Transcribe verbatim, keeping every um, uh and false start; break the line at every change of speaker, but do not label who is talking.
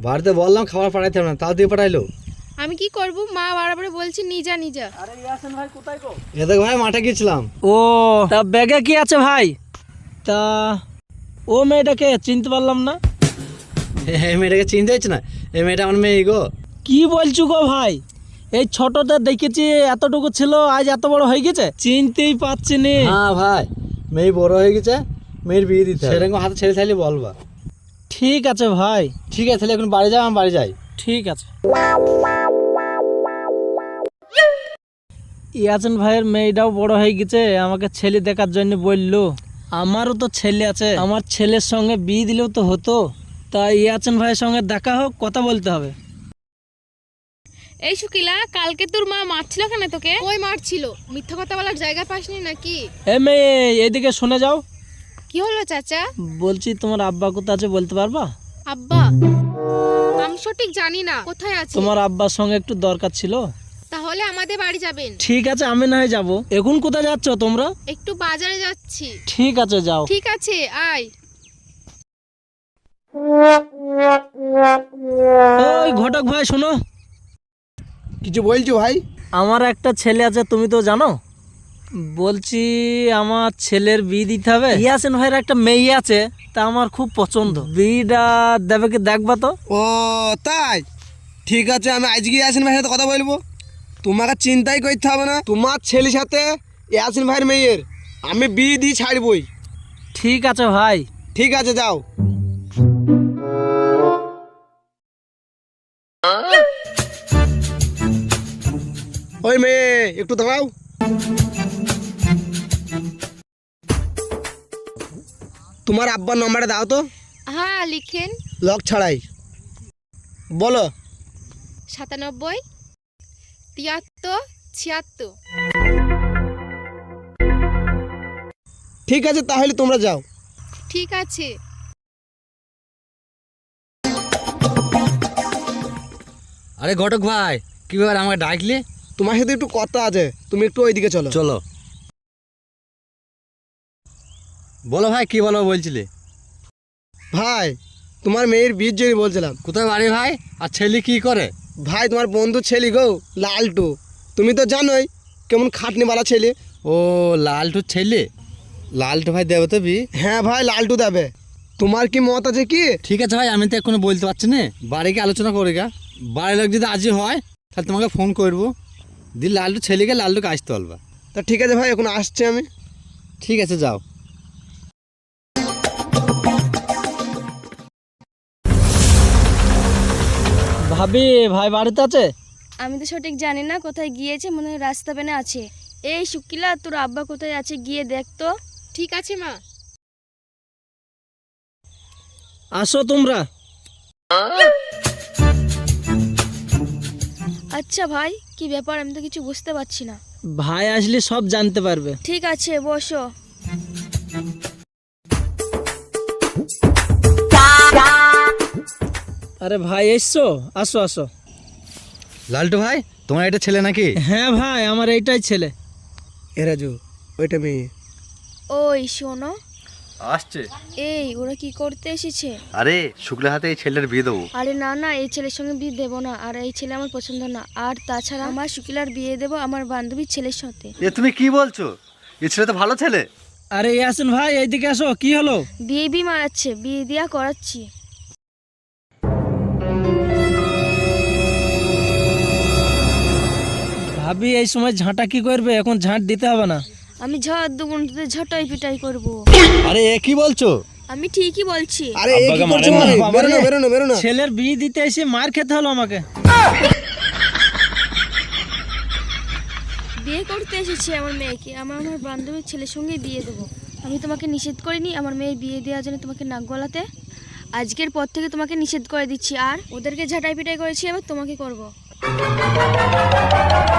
বাড়িতে বললাম খাবার পাঠাইতে হবে না, তাও দিয়ে পাঠাইলো।
আমি কি করব, মা বারবার বলছি নিজা নিজা।
আরে ইয়াসিন ভাই কোথায় গো?
এ দেখ ভাই, মাঠে গেছিলাম।
ও তা ব্যাগে কি আছে ভাই? তা ও মেয়েটাকে চিনতে পারলাম না।
এই মেয়েটাকে চিনতে হচ্ছে না? এই মেয়েটা আমার মেয়ে গো।
কি বলছো গো ভাই? এই ছোটতে দেখেছি এতটুকু ছিল, আজ এত বড় হয়ে গেছে, চিনতেই পারছি নি।
হ্যাঁ ভাই, মেয়ে বড় হয়ে গেছে, মেয়ের বিয়ে দিতে হবে। সেরকম হাতে ছেড়ে থাকলে বলবা।
ঠিক আছে ভাই।
ঠিক আছে, তাহলে এখন বাড়ি যাও, আমি বাড়ি যাই।
ঠিক আছে। ইয়াসিন ভাইয়ের মেয়েটাও বড় হয়ে গেছে, আমাকে ছেলে দেখার জন্য বললো। আমারও তো ছেলে আছে, আমার ছেলের সঙ্গে বিয়ে দিলেও তো হতো। তাই ইয়াসিন ভাইয়ের সঙ্গে দেখা হোক, কথা বলতে হবে।
এই শুকিলা, কালকে তোর মা মারছিল কেন তোকে? ওই মারছিল, মিথ্যা কথা বলার জায়গা পাসনি নাকি?
এ মেয়ে, এদিকে শুনে যাও।
কি হলো চাচা?
বলছি তোমার আব্বা কোথায় আছে বলতে পারবা?
আব্বা আমি সঠিক জানি না কোথায় আছে।
তোমার আব্বার সঙ্গে একটু দরকার ছিল।
তাহলে আমাদের বাড়ি যাবেন?
ঠিক আছে, আমি না হয় যাবো। এখন কোথায় যাচ্ছ তোমরা?
একটু বাজারে যাচ্ছি।
ঠিক আছে, যাও।
ঠিক আছে, আয়।
ওই ঘটক ভাই শোনো।
কিছু বলছো ভাই?
আমার একটা ছেলে আছে, তুমি তো জানো। বলছি আমার ছেলের বিয়ে দিতে হবে। ইয়াসিন ভাইয়ের একটা মেয়ে আছে, তা আমার খুব পছন্দ। বিয়েটা দেবে কি দেখবা তো?
ও তাই, ঠিক আছে, আমি আজকে ইয়াসিন ভাইয়ের সাথে কথা বলবো। তোমাকে চিন্তাই করতে হবে না, তোমার ছেলের সাথে ইয়াসিন ভাইয়ের মেয়ের আমি বিয়ে দিয়ে ছাড়বই।
ঠিক আছে ভাই।
ঠিক আছে, যাও। ওই মেয়ে, একটু দাঁড়াও। তোমার আব্বার নম্বরটা দাও তো।
হ্যাঁ লিখেন।
লক ছাড়াই বলো।
সাতানব্বই তিয়াত্তর ছিয়াত্তর।
ঠিক আছে, তাহলে তোমরা যাও।
ঠিক আছে।
আরে ঘটক ভাই, কি ব্যাপার, আমাকে ডাকলি?
তোমার সাথে একটু কথা আছে, তুমি একটু ওইদিকে চলো।
চলো। বলো ভাই, কি বলো বলছিলে?
ভাই, তোমার মেয়ের বিয়ের জন্য বলছিলাম।
কোথায় বাড়ি ভাই? আর ছেলে কি করে?
ভাই, তোমার বন্ধু ছেলে গো, লালটু। তুমি তো জানোই কেমন খাটনিওয়ালা ছেলে।
ও লালটুর ছেলে? লালটু ভাই দেবে তো বি?
হ্যাঁ ভাই, লালটু দেবে। তোমার কি মত আছে কি?
ঠিক আছে ভাই, আমি তো এখনো বলতে পারছি না, বাড়িকে আলোচনা করে গা। বাড়ির লোক যদি আজই হয় তাহলে তোমাকে ফোন করবো, দিয়ে লালটু ছেলেকে লালটুকে আসতে বলবা।
তা ঠিক আছে ভাই, এখন আসছি আমি।
ঠিক আছে, যাও।
ভাবি, ভাই বাড়িতে আছে?
আমি তো সঠিক জানি না, কোথায় গিয়েছে, মনে হয় রাস্তা পেনে আছে। এই শুকিলা, তোর আব্বা কোথায় আছে গিয়ে দেখ তো।
ঠিক আছে মা।
আসো তোমরা।
আচ্ছা ভাই, কি ব্যাপার, আমি তো কিছু বুঝতে পারছি না।
ভাই আসলে সব জানতে পারবে।
ঠিক আছে, বসো।
আরে ভাই এসছো, আসো আসো।
লালটু ভাই, তোমার এটা ছেলে নাকি?
হ্যাঁ ভাই, আমার এইটাই ছেলে।
এ রাজু, ওইটা মেয়ে।
ওই শোনো,
আসছে।
এই ওরা কি করতে এসেছে?
আরে শুক্লা হাতে এই ছেলের বিয়ে দেবো।
আরে না না, এই ছেলের সঙ্গে বিয়ে দেবো না, আর এই ছেলে আমার পছন্দ না। আর তাছাড়া আমার শুকিলার বিয়ে দেবো আমার বান্ধবীর ছেলের সাথে।
এ তুমি কি বলছো? এ ছেলে তো ভালো ছেলে।
আরে ইয়াসিন ভাই, এইদিকে আসো। কি হলো?
বিয়ে বি মারাচ্ছে, বিয়ে দিয়া করাচ্ছি।
ভাবি, এই সময় ঝাঁটা কি করবে? এখন ঝাঁট দিতে হবে না।
আমি ঝড় দুগুণ ঝটাই পিটাই করবো।
আরে এ কি বলছো?
আমি ঠিকই বলছি।
আরে এ কি করছো ভাই? বেরো না, বেরো না, বেরো না।
ছেলের বিয়ে দিতে এসে মার খেতে হলো আমাকে।
বিয়ে করতে এসেছি আমার মেয়েকে, আমার আমার বান্ধবীর ছেলের সঙ্গে বিয়ে দেবো। আমি তোমাকে নিষেধ করিনি আমার মেয়ের বিয়ে দেওয়ার জন্য তোমাকে নাক গলাতে। আজকের পর থেকে তোমাকে নিষেধ করে দিচ্ছি, আর ওদেরকে ঝাঁটাই পিটাই করেছি, এবার তোমাকে করব।